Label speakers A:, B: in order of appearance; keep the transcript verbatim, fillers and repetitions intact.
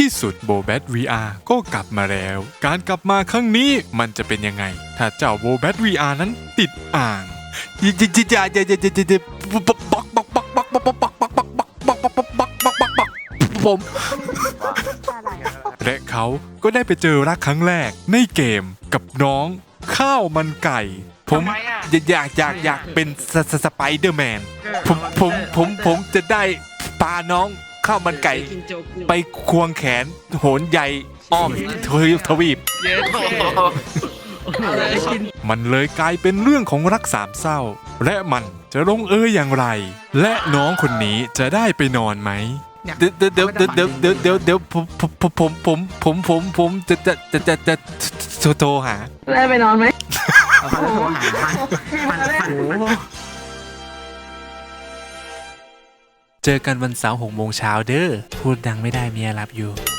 A: ที่สุดโบแบท วี อาร์ ก็กลับมาแล้ว การกลับมาครั้งนี้มันจะเป็นยังไงถ้าเจ้าโบแบท วี อาร์ นั้นติดอ่างยิจิจิจิจิจิจิจิจิปักปักปักปักปักปักปักปักปักปักปักปักปักปักปักปักปักปักผมและเขาก็ได้ไปเจอรักครั้งแรกในเกมกับน้องข้าวมันไก่ผมอยากอยากอยากเป็นสไปเดอร์แมนผมผมผมผมจะได้พาน้องข้าวมันไก่ไปควงแขนโหนใหญ่อ้อมทวีปมันเลยกลายเป็นเรื่องของรักสามเศร้าและมันจะลงเอยอย่างไรและน้องคนนี้จะได้ไปนอนไหมเดี๋ยวเดี๋ยวเดี๋ยวเดี๋ยวเดี๋ยวเดี๋ยวเดี๋ยวผมผมผมผมผมผมผมจะจะจะจะจะโทรหา
B: ได้ไปนอนไหม
C: เขาจะโทรหามันมัน
A: เจอกันวันเสาร์หกโมงเช้าเด้อพูดดังไม่ได้เมียรับอยู่